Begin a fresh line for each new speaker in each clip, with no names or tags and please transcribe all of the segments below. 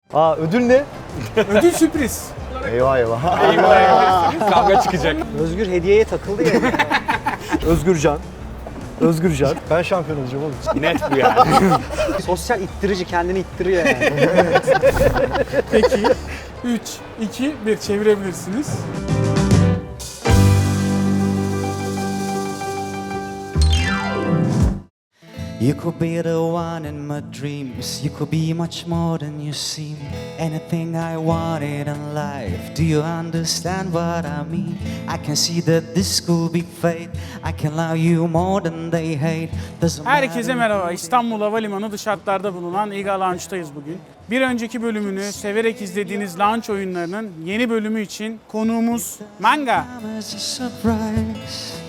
Ödül ne?
Ödül sürpriz.
Eyvah eyvah.
Kavga çıkacak.
Özgür hediyeye takıldı ya.
Özgürcan. Özgürcan. Ben şampiyon olacağım oğlum.
Net bu yani.
Sosyal ittirici, kendini ittiriyor yani.
Peki 3, 2, 1 çevirebilirsiniz.
You could be the one in my dreams. You could be much more than you seem. Anything I wanted in life. Do you understand what I mean? I can see that this could be fate. I can love you more than they hate. Doesn't
Herkese
matter.
merhaba. İstanbul Havalimanı dış hatlarda bulunan İGA Launch'tayız bugün. Bir önceki bölümünü severek izlediğiniz launch oyunlarının yeni bölümü için konuğumuz Manga.
As a surprise.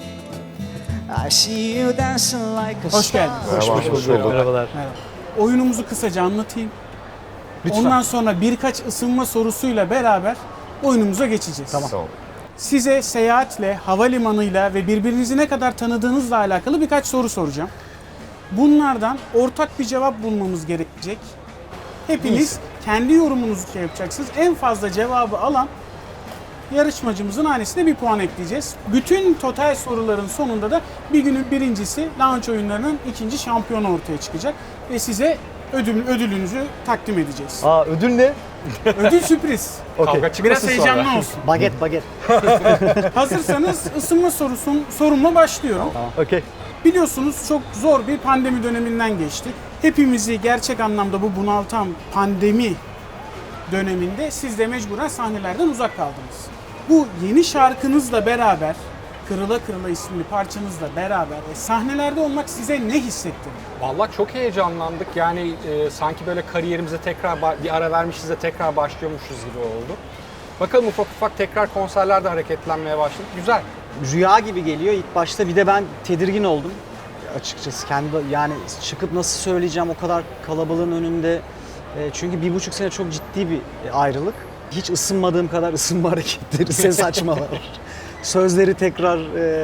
I see you dancing like a
Hoş geldiniz.
Hoş bulduk. Merhabalar.
Merhaba. Oyunumuzu kısaca anlatayım. Ondan sonra birkaç ısınma sorusuyla beraber oyunumuza geçeceğiz.
Tamam.
Size seyahatle, havalimanıyla ve birbirinizi ne kadar tanıdığınızla alakalı birkaç soru soracağım. Bunlardan ortak bir cevap bulmamız gerekecek. Hepiniz kendi yorumunuzu yapacaksınız. En fazla cevabı alan yarışmacımızın hanesine bir puan ekleyeceğiz. Bütün total soruların sonunda da bir günün birincisi launch oyunlarının ikinci şampiyonu ortaya çıkacak. Ve size ödülünüzü takdim edeceğiz.
Ödül ne?
Ödül sürpriz.
Okey.
Kavga çıkmasın
Biraz
sonra.
heyecanlı olsun.
Baget.
Hazırsanız ısınma sorumla başlıyorum.
Okey.
Biliyorsunuz çok zor bir pandemi döneminden geçti. Hepimizi gerçek anlamda bu bunaltan pandemi döneminde siz de mecburen sahnelerden uzak kaldınız. Bu yeni şarkınızla beraber, Kırıla Kırıla isimli parçanızla beraber sahnelerde olmak size ne hissettirdi?
Vallahi çok heyecanlandık. Yani sanki böyle kariyerimize tekrar bir ara vermişiz de tekrar başlıyormuşuz gibi oldu. Bakalım ufak ufak tekrar konserlerde hareketlenmeye başladık. Güzel.
Rüya gibi geliyor ilk başta. Bir de ben tedirgin oldum açıkçası. Yani çıkıp nasıl söyleyeceğim o kadar kalabalığın önünde. Çünkü 1,5 sene çok ciddi bir ayrılık. Hiç ısınmadığım kadar ısınma hareketleri, ses açmalar, sözleri tekrar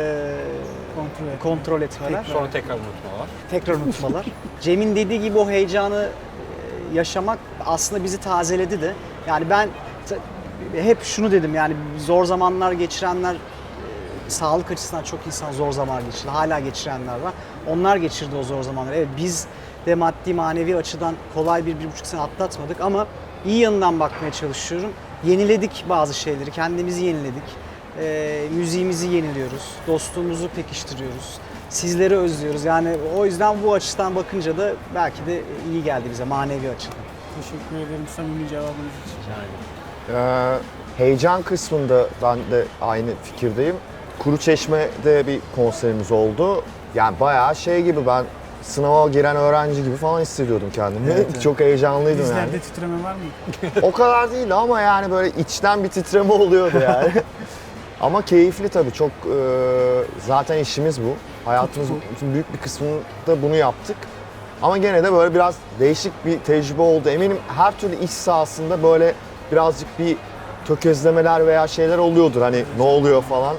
kontrol etmeler,
Sonra tekrar unutmalar.
tekrar unutmalar. Cem'in dediği gibi o heyecanı yaşamak aslında bizi tazeledi de. Yani ben hep şunu dedim, yani zor zamanlar geçirenler, sağlık açısından çok insan zor zaman geçirdi. Hala geçirenler var. Onlar geçirdi o zor zamanları. Evet, biz de maddi manevi açıdan kolay 1,5 sene atlatmadık ama iyi yanından bakmaya çalışıyorum. Yeniledik bazı şeyleri, kendimizi yeniledik. Müziğimizi yeniliyoruz, dostluğumuzu pekiştiriyoruz. Sizleri özlüyoruz. Yani o yüzden bu açıdan bakınca da belki de iyi geldi bize manevi açıdan.
Teşekkür ederim samimi cevabınız için.
Heyecan kısmında ben de aynı fikirdeyim. Kuruçeşme'de bir konserimiz oldu. Yani bayağı şey gibi, ben sınava giren öğrenci gibi falan hissediyordum kendimi.
Evet.
Çok heyecanlıydım
Dizlerde
yani.
titreme var mı?
O kadar değil ama yani böyle içten bir titreme oluyordu yani. Ama keyifli tabii, çok zaten işimiz bu. Hayatımızın büyük bir kısmında bunu yaptık. Ama gene de böyle biraz değişik bir tecrübe oldu. Eminim her türlü iş sahasında böyle birazcık bir tökezlemeler veya şeyler oluyordur. Hani ne oluyor falan.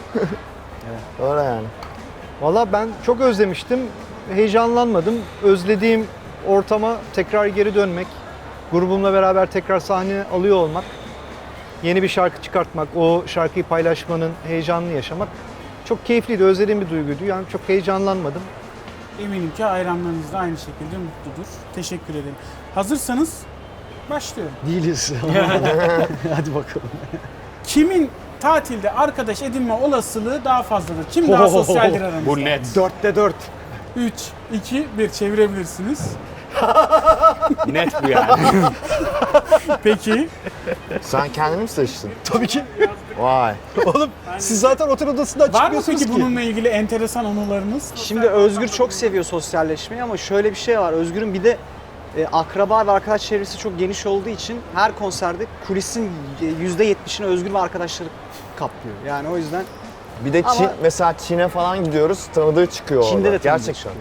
Öyle yani.
Valla ben çok özlemiştim. Heyecanlanmadım. Özlediğim ortama tekrar geri dönmek, grubumla beraber tekrar sahne alıyor olmak, yeni bir şarkı çıkartmak, o şarkıyı paylaşmanın heyecanını yaşamak çok keyifliydi. Özlediğim bir duyguydu. Yani çok heyecanlanmadım.
Eminim ki hayranlarınız da aynı şekilde mutludur. Teşekkür ederim. Hazırsanız başlıyorum.
Değiliz. Hadi bakalım.
Kimin tatilde arkadaş edinme olasılığı daha fazladır? Kim daha sosyaldir aranızda?
Bu net.
4'te 4.
3, 2, 1 çevirebilirsiniz.
Net bu yani.
Peki.
Sen kendini mi seçtin?
Tabii ki.
Vay.
Oğlum siz zaten otel odasından
Var mı
çıkmıyorsunuz
peki
ki.
bununla ilgili enteresan anılarınız?
Şimdi Özgür çok seviyor sosyalleşmeyi ama şöyle bir şey var. Özgür'ün bir de akraba ve arkadaş çevresi çok geniş olduğu için her konserde kulisin %70'ini Özgür ve arkadaşları kaplıyor. Yani o yüzden
Bir de
Ama-
mesela Çin'e falan gidiyoruz, tanıdığı çıkıyor
Çin'de
orada.
de tanıdığı
Gerçekten.
çıkıyor.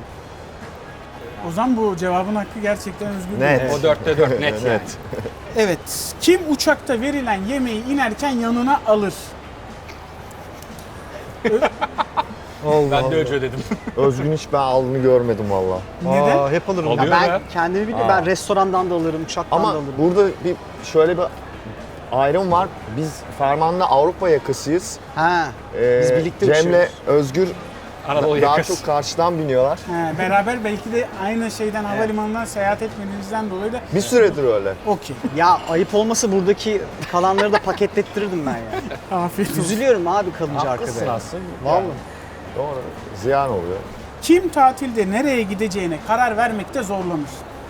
O zaman bu cevabın hakkı gerçekten Özgür.
Net.
Bey.
O 4'te 4 net yani.
Evet. Kim uçakta verilen yemeği inerken yanına alır?
Allah
Ben de
Allah.
önce ödedim.
Özgün hiç ben aldığını görmedim valla.
Neden?
Aa, hep alırım.
Alıyor.
Ya ben
ya.
kendimi biliyorum. Ben restorandan da alırım, uçaktan da
Ama
alırım.
burada şöyle bir ayrım var. Biz Ferman'la Avrupa yakasıyız.
Ha. Biz birlikte
Cem'le
uçuyoruz.
Özgür
Anadolu
daha
yakası.
çok karşıdan biniyorlar.
He, beraber belki de aynı şeyden havalimanından seyahat etmediğinizden dolayı da
Bir süredir öyle.
okey.
Ya ayıp olmasa buradaki kalanları da paketlettirirdim ben ya.
Afiyet olsun.
Üzülüyorum abi kalınca
Haklısın
arkada.
aslında.
Vallahi.
Doğru. Ziyan oluyor.
Kim tatilde nereye gideceğine karar vermekte zorlanır?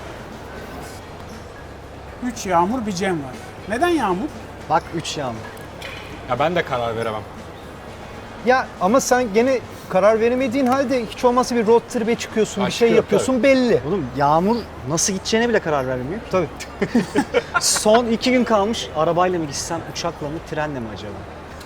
3 Yağmur, bir Cem var. Neden Yağmur?
Bak 3 yağmur.
Ya ben de karar veremem.
Ya ama sen gene karar veremediğin halde hiç olmazsa bir road trip'e çıkıyorsun,
Ha,
bir şey
çıkıyor,
yapıyorsun belli.
Oğlum Yağmur nasıl gideceğine bile karar vermiyor.
Tabii.
Son 2 gün kalmış. Arabayla mı gitsem, uçakla mı, trenle mi acaba?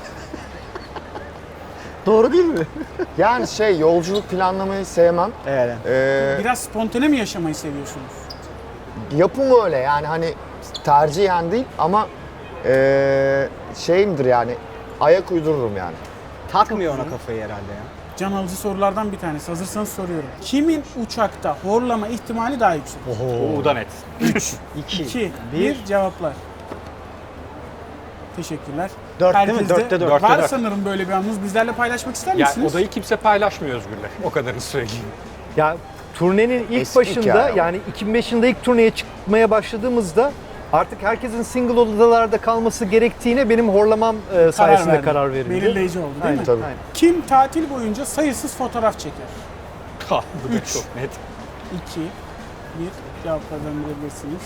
Doğru değil mi?
Yani yolculuk planlamayı sevmem.
Evet.
Biraz spontane mi yaşamayı seviyorsunuz?
Yapım öyle yani hani tercihen değil ama şeyimdir yani ayak uydururum yani.
Takmıyor ona kafayı herhalde ya.
Can alıcı sorulardan bir tanesi. Hazırsanız soruyorum. Kimin uçakta horlama ihtimali daha yüksek?
O da net.
2,
2, 1 cevaplar. Teşekkürler.
4 değil mi?
Herkeste
4'te 4.
Var
dört.
sanırım böyle bir anınız. Bizlerle paylaşmak ister
Ya
misiniz?
odayı kimse paylaşmıyor Özgür'le. O kadarını söyleyeyim.
Ya turnenin ilk
Eski
başında
hikaye ama.
yani 2005 yılında ilk turneye çıkmaya başladığımızda artık herkesin single odalarda kalması gerektiğine benim horlamam sayesinde
verdi.
karar verildi.
Belirleyici oldu değil
Aynen.
mi?
Tabii.
Aynen.
Kim tatil boyunca sayısız fotoğraf çeker?
Ha, bu da
Üç.
çok net.
2, 1 cevaplardan verebilirsiniz.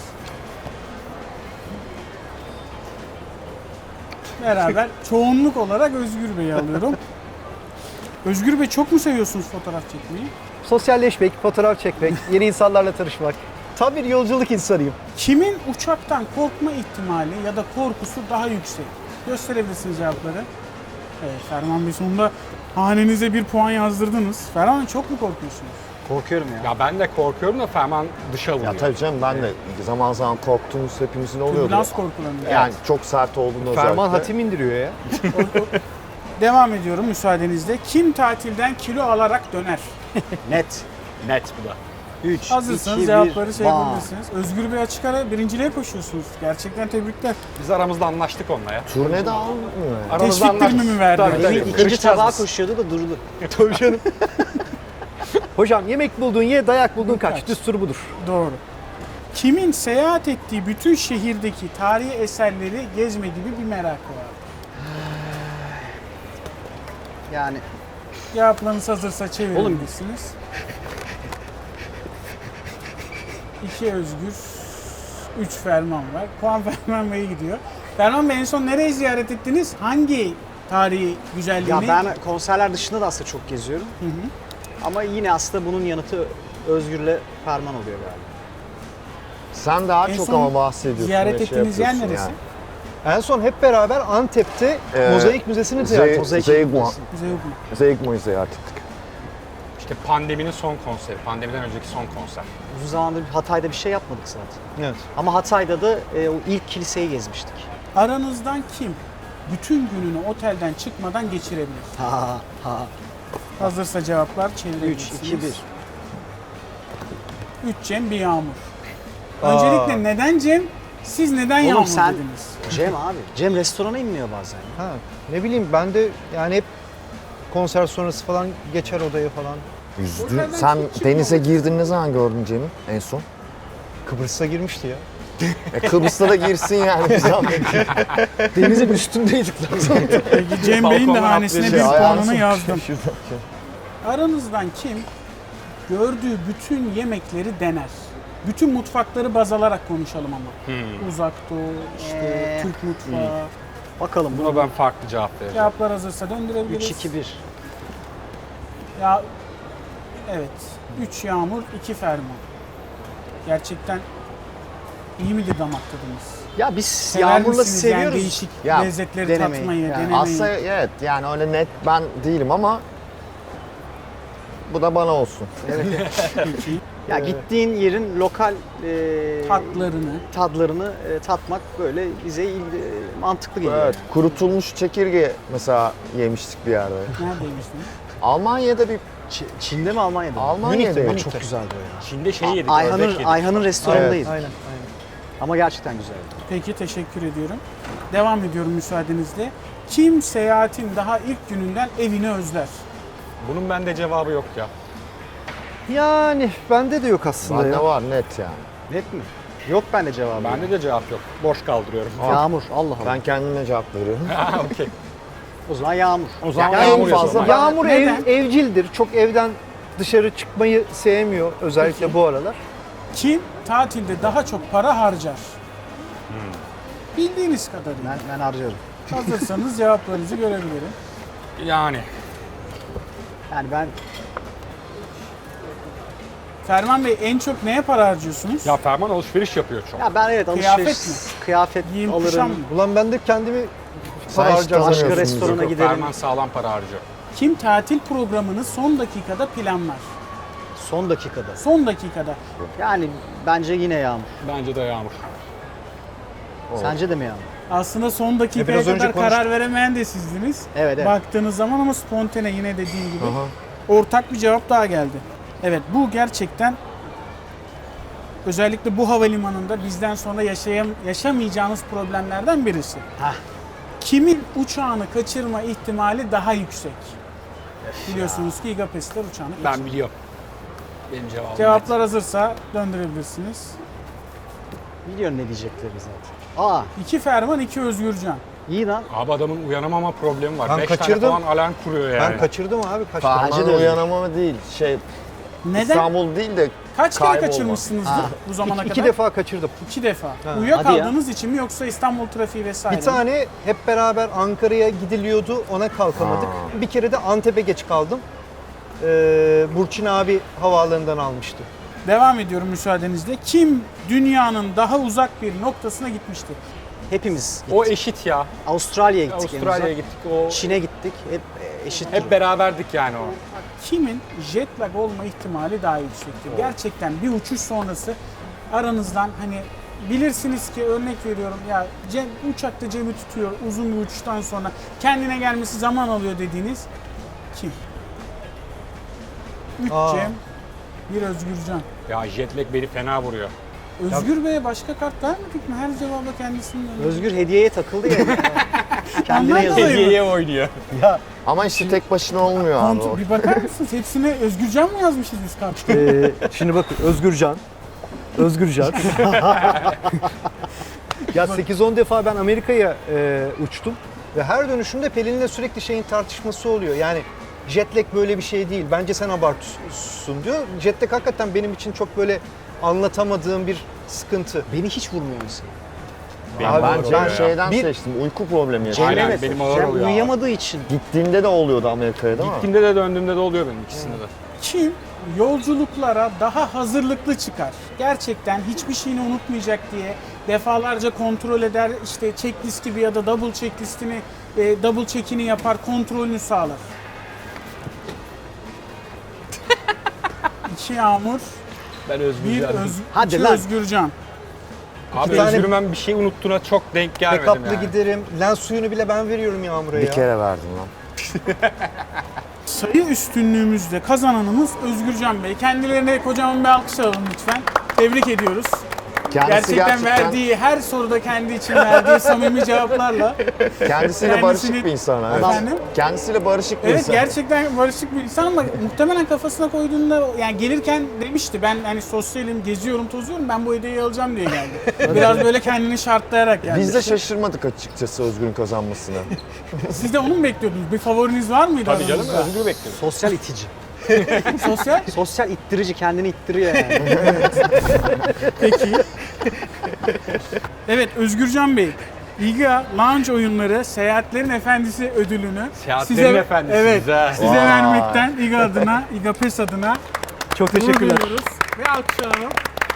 Beraber çoğunluk olarak Özgür Bey'i alıyorum. Özgür Bey çok mu seviyorsunuz fotoğraf çekmeyi?
Sosyalleşmek, fotoğraf çekmek, yeni insanlarla tanışmak. Tam bir yolculuk insanıyım.
Kimin uçaktan korkma ihtimali ya da korkusu daha yüksek? Gösterebilirsiniz cevapları. Evet, Ferman Bey sonunda hanenize bir puan yazdırdınız. Ferman çok mu korkuyorsunuz?
Korkuyorum ya.
Ya ben de korkuyorum da Ferman dışa vuruyor.
Ya tabii canım ben de zaman zaman korktuğumuz hepimizin oluyordu.
Türbülans korkularını.
Yani çok sert olduğunda özellikle.
Ferman hatim indiriyor ya.
Devam ediyorum müsaadenizle. Kim tatilden kilo alarak döner?
Net.
Net bu da.
3,
Hazırsanız
2, 1,
cevapları şey yapabilirsiniz. Özgür Bey açık ara birinciliğe koşuyorsunuz. Gerçekten tebrikler.
Biz aramızda anlaştık onunla ya.
Turnede almıyor yani.
Aramızda
Teşvik primi mi verdi?
Tabii, tabii.
İkinci
Kırışacağız
tabağa
biz.
koşuyordu da durdu.
Tabii canım. Hocam yemek buldun ye, dayak buldun kaç.
Kaç.
Düstur budur.
Doğru. Kimin seyahat ettiği bütün şehirdeki tarihi eserleri gezme gibi bir merakı var?
Yani
Cevaplarınız hazırsa çevirebilirsiniz. 2 Özgür, 3 Ferman var. Puan Ferman Bey'e gidiyor. Ferman Bey en son nereyi ziyaret ettiniz? Hangi tarihi güzelliğini?
ya ben konserler dışında da aslında çok geziyorum. Ama yine aslında bunun yanıtı Özgür'le Ferman oluyor galiba.
Sen daha
En
çok
son
ama bahsediyorsun.
ziyaret
ve
ettiğiniz yer
yapıyorsun
neresi?
En son hep beraber Antep'te Mozaik Müzesi'ni ziyaret ettik.
Zeygma.
Bize yok mu?
Zeygma'yı ziyaret ettik.
İşte pandeminin son konseri. Pandemiden önceki son konser.
Uzun zamandır Hatay'da bir şey yapmadık zaten.
Evet.
Ama Hatay'da da o ilk kiliseyi gezmiştik.
Aranızdan kim bütün gününü otelden çıkmadan geçirebilir?
Ha ha.
Hazırsa cevaplar
3,
çevirebilirsiniz.
2, 1.
3 Cem, bir Yağmur. Öncelikle neden Cem? Siz neden
Oğlum
Yağmur
sen-
dediniz?
Cem abi. Cem restorana inmiyor bazen.
Ha, ne bileyim ben de yani hep konser sonrası falan geçer odaya falan.
Yüzdün. Sen denize girdin ne zaman gördün Cem'i en son?
Kıbrıs'a girmişti ya.
Kıbrıs'ta da girsin yani bir zahmet.
Denizin üstündeydik lan.
Peki Cem Bey'in de
Balkondan
hanesine bir
atlayacak.
puanını yazdım. Aranızdan kim gördüğü bütün yemekleri dener? Bütün mutfakları baz alarak konuşalım ama. Uzak Doğu, işte Türk mutfağı.
Bakalım
Buna ben farklı cevap vereceğim.
Cevaplar hazırsa döndürebiliriz.
3, 2, 1.
Ya evet. 3 Yağmur, 2 Ferman. Gerçekten iyi midir damak tadınız?
Ya biz
Sever
Yağmur'la
misiniz yani
seviyoruz.
değişik
Ya,
lezzetleri
denemeyi.
tatmayı,
Yani
denemeyi?
Aslında evet yani öyle net ben değilim ama bu da bana olsun.
Ya gittiğin yerin lokal
Tatlarını.
tadlarını tatmak böyle bize mantıklı geliyor.
Evet, kurutulmuş çekirge mesela yemiştik bir yerde.
Neredeymiştiniz?
Almanya'da bir
Çin'de mi Almanya'da mı?
Almanya'da
Münih'te,
yok.
Çok güzeldi o ya.
Çin'de şeyi yedik, ördek yedik.
Ayhan'ın restoranındayız.
Aynen.
Ama gerçekten güzeldi.
Peki teşekkür ediyorum. Devam ediyorum müsaadenizle. Kim seyahatin daha ilk gününden evini özler?
Bunun bende cevabı yok ya.
Yani bende de yok aslında
Bende
ya.
var net yani.
Net mi? Yok bende cevabı.
Bende de cevap yok. Boş kaldırıyorum.
Yağmur. Allah Allah.
Ben kendime cevap veriyorum.
Ha, okey.
O zaman yağmur.
O zaman
Yani
yağmur
en fazla
yazalım.
Yağmur
Neden?
evcildir. Çok evden dışarı çıkmayı sevmiyor özellikle
Peki.
bu aralar.
Kim tatilde daha çok para harcar? Bildiğiniz kadarıyla.
Ben harcarım.
Hazırsanız cevaplarınızı görebilirim.
Yani.
Yani ben
Ferman Bey en çok neye para harcıyorsunuz?
Ya Ferman alışveriş yapıyor çok.
ya ben evet
Kıyafet
alışveriş, kıyafet
Giyim, kuşam
alırım.
mı?
Ulan ben de kendimi
Sen
para
hiç
harcarım.
Başka
tanımıyorsun
restorana
bizi.
giderim.
Ferman sağlam para harcıyor.
Kim tatil programını son dakikada planlar?
Son dakikada.
Son dakikada.
Yani bence yine yağmur.
Bence de yağmur.
Sence de mi yağmur?
Aslında son dakikaya
biraz önce
kadar
konuştuk.
karar veremeyen de sizdiniz.
Evet, evet.
Baktığınız zaman ama spontane yine dediğim gibi.
Aha.
Ortak bir cevap daha geldi. Evet bu gerçekten özellikle bu havalimanında bizden sonra yaşamayacağınız problemlerden birisi.
Hah.
Kimin uçağını kaçırma ihtimali daha yüksek? Biliyorsunuz ki İGAPES'ler uçağını kaçırıyor.
Ben biliyorum. Benim cevabım
Cevaplar hazırsa döndürebilirsiniz.
Biliyorum ne diyecekleri zaten. Aa
2 Ferman, 2 Özgürcan.
iyi lan.
net. Abi adamın uyanamama problemi var.
Ben
5 tane
kaçırdım.
falan alarm kuruyor yani.
Ben kaçırdım abi kaç
Ferman
Bence de öyle.
uyanamama değil.
Neden?
İstanbul değil de
Kaç kere
kaybolma.
kaçırmışsınızdır bu zamana kadar?
İki defa kaçırdım.
2 defa.
Ha.
Uyuyakaldığınız için mi yoksa İstanbul trafiği vesaire
Bir
mi?
tane hep beraber Ankara'ya gidiliyordu, ona kalkamadık. Bir kere de Antep'e geç kaldım. Burçin abi havaalanından almıştı.
Devam ediyorum müsaadenizle. Kim dünyanın daha uzak bir noktasına gitmiştir?
Hepimiz gittik.
O eşit ya.
Avustralya'ya gittik. en
Avustralya'ya
uzak.
gittik. O
Çin'e gittik. Hep eşit.
hep beraberdik yani o.
Kimin jet lag olma ihtimali daha yüksektir? Gerçekten bir uçuş sonrası aranızdan hani bilirsiniz ki örnek veriyorum ya uçakta Cem'i tutuyor uzun bir uçuştan sonra kendine gelmesi zaman alıyor dediğiniz kim? 3
Aa.
Cem, 1 Özgürcan.
Ya jet lag beni fena vuruyor.
Özgür Bey'e başka kart vermedik mi? Her cevaba kendisinden.
Özgür hediyeye takıldı ya. Kendine
Ondan
yazıyor.
dolayı mı?
Hediyeye oynuyor.
ama işte tek başına olmuyor abi.
Kontrol, bir bakar mısınız? Hepsine Özgürcan mı yazmışız biz kartı?
Şimdi bakın Özgürcan. Ya 8-10 defa ben Amerika'ya uçtum ve her dönüşümde Pelin'le sürekli şeyin tartışması oluyor. Yani jet lag böyle bir şey değil. Bence sen abartıyorsun diyor. Jet lag hakikaten benim için çok böyle anlatamadığım bir sıkıntı.
Beni hiç vurmuyor mesela.
Benim ağır
Ben
oluyor ya.
şeyden
Bir-
seçtim. Uyku problemi yaşadım.
Aynen,
Evet,
benim ağır
Cem
oluyor abi.
uyuyamadığı için.
Gittiğimde de oluyordu Amerika'ya değil mi?
Gittiğimde de döndüğümde de oluyor benim ikisinde de.
Kim yolculuklara daha hazırlıklı çıkar? Gerçekten hiçbir şeyini unutmayacak diye defalarca kontrol eder. İşte checklist gibi ya da double checklistini, double check'ini yapar, kontrolünü sağlar. 2 Yağmur,
Ben
1
Hadi
iki
lan.
Özgürcan.
Abi
Bir tane-
Özgür'ün ben bir şey unuttuğuna çok denk gelmedim
Backup'lı
yani.
giderim. Lens suyunu bile ben veriyorum Yağmur'a ya.
Bir kere verdim lan.
Sayı üstünlüğümüzde kazananımız Özgürcan Bey. Kendilerine kocaman bir alkış alalım lütfen. Tebrik ediyoruz.
Kendisi
Gerçekten verdiği her soruda kendi için verdiği samimi cevaplarla.
kendisiyle
kendisini-
barışık bir insan. Evet.
Efendim?
Kendisiyle barışık bir
Evet
insan.
gerçekten barışık bir insan ama muhtemelen kafasına koyduğunda yani gelirken demişti ben hani sosyalim, geziyorum, tozuyorum ben bu hediyeyi alacağım diye geldi. Biraz böyle kendini şartlayarak geldi.
Biz de şaşırmadık açıkçası Özgür'ün kazanmasına.
Siz de onu mu bekliyordunuz? Bir favoriniz var mıydı
Tabii canım
aranızda?
Özgür'ü bekliyorum.
Sosyal itici.
Sosyal?
Sosyal ittirici, kendini ittiriyor yani.
Peki. Evet Özgürcan Bey. İGA Lounge oyunları Seyahatlerin Efendisi ödülünü
Seyahatlerin Efendisi,
evet,
güzel.
size
Vay.
vermekten İGA adına, İGA PES adına
Çok
gurur
teşekkürler.
duyuyoruz ve alkışlayalım.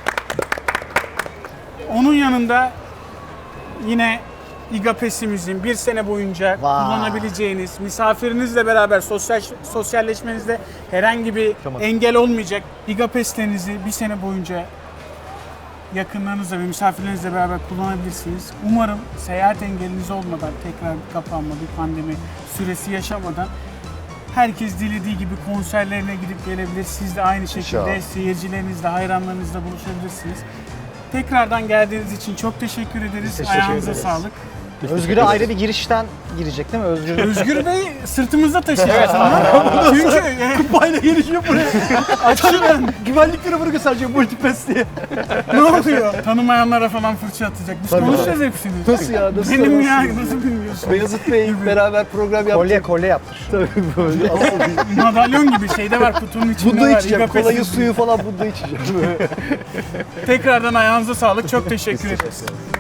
Onun yanında yine İGA PES'imizin bir sene boyunca
Vay.
kullanabileceğiniz, misafirinizle beraber sosyalleşmenizde herhangi bir engel olmayacak İGA PES'lerinizi bir sene boyunca yakınlarınızla ve misafirlerinizle beraber kullanabilirsiniz. Umarım seyahat engeliniz olmadan, tekrar bir kapanma, bir pandemi süresi yaşamadan Herkes dilediği gibi konserlerine gidip gelebilir. Siz de aynı şekilde
İnşallah.
seyircilerinizle, hayranlarınızla buluşabilirsiniz. Tekrardan geldiğiniz için çok teşekkür ederiz.
teşekkür
Ayağınıza
ederiz.
sağlık.
Özgür'e ayrı bir girişten girecek değil mi? Özgür
Özgür Bey sırtımızda taşıyacağız onu. Çünkü
Kupayla gelişiyor buraya. Açıyorum. Güvenlikleri bırakın sadece multipass diye.
ne oluyor? Tanımayanlara falan fırça atacak. Biz konuşacağız hepsini.
Nasıl ya? Nasıl?
Benim ya nasıl bilmiyorsun?
Beyazıt Bey beraber program yaptık.
kolye yaptır.
Tabii böyle.
Madalyon gibi şeyde var, kutunun içinde
Bunda
var.
içeceğim.
İBAP'e
Kolayı
sızıyor.
suyu falan bunda içeceğim.
Tekrardan ayağınıza sağlık. Çok teşekkür ederiz.